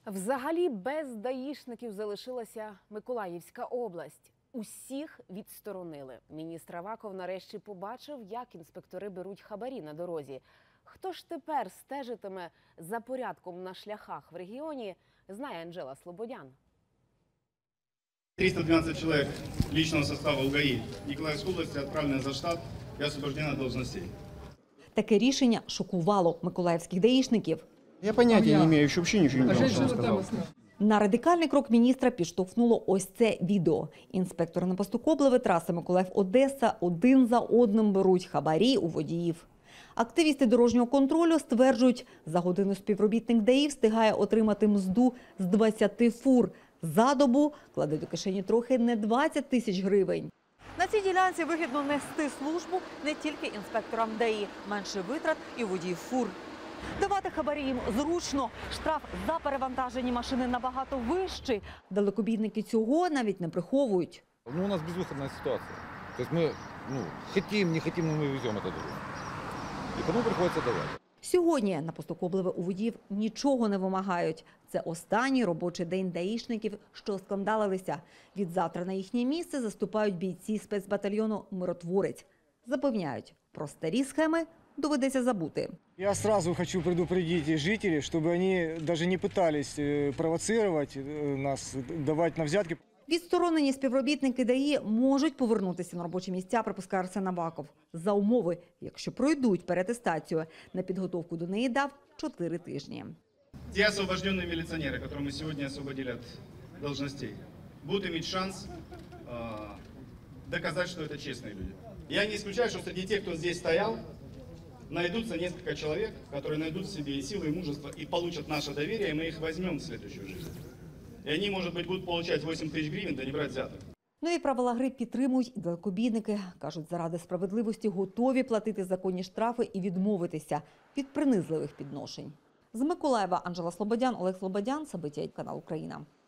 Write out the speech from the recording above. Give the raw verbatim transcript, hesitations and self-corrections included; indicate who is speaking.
Speaker 1: Взагалі без даїшників залишилася Миколаївська область. Усіх відсторонили. Міністр Аваков нарешті побачив, як інспектори беруть хабарі на дорозі. Хто ж тепер стежитиме за порядком на шляхах в регіоні, знає Анжела Слободян.
Speaker 2: триста двенадцать человек личного состава УГАИ Николаевской области отправлены за штат и освобождены от должностей.
Speaker 3: Таке рішення шокувало миколаївських даїшників.
Speaker 4: Я понятия не имею, еще вообще ничего не знал, что он сказал.
Speaker 3: На радикальний крок міністра підштовхнуло ось це відео. Інспектори на посту Коблеве траси Миколаїв-Одеса один за одним беруть хабарі у водіїв. Активісти дорожнього контролю стверджують, за годину співробітник ДАІ встигає отримати мзду з двадцяти фур. За добу кладе до кишені трохи не двадцять тисяч гривень. На цій ділянці вигідно нести службу не тільки інспекторам ДАІ. Менше витрат і водіїв фур. Давати хабарі їм зручно. Штраф за перевантажені машини набагато вищий. Далекобійники цього навіть не приховують.
Speaker 5: Ну, у нас безвыходная ситуация. То есть мы ну, хотим, не хотим, но мы везем этот груз. И кому приходится давать.
Speaker 3: Сьогодні на посту Коблеве у водіїв нічого не вимагають. Це останній робочий день даїшників, що скандалилися. Відзавтра на їхнє місце заступають бійці спецбатальйону «Миротворець». Запевняють, про старі схеми доведеться забути.
Speaker 6: Я сразу хочу предупредить жителей, чтобы они даже не пытались провоцировать нас, давать на взятки.
Speaker 3: Відсторонені співробітники ДАІ можуть повернутися на робочі місця, припускає Арсен Аваков. За умови, якщо пройдуть переатестацію. На підготовку до неї дав чотири тижні.
Speaker 2: Те освобожденные милиционеры, которые мы сегодня освободили от должностей, будут иметь шанс э, доказать, что это честные люди. Я не исключаю, что среди тех, кто здесь стоял, найдутся несколько человек, которые найдут в себе и силы, и мужество, и получат наше доверие, и мы их возьмем в следующую жизнь. И они, может быть, будут получать восемь тысяч гривен, да не брать взяток.
Speaker 3: Нові правила гри підтримують і далекобійники. Кажуть, заради справедливості готові платити законні штрафи і відмовитися від принизливих підношень. З Миколаєва Анжела Слободян, Олег Слободян, Сабиття, канал Україна.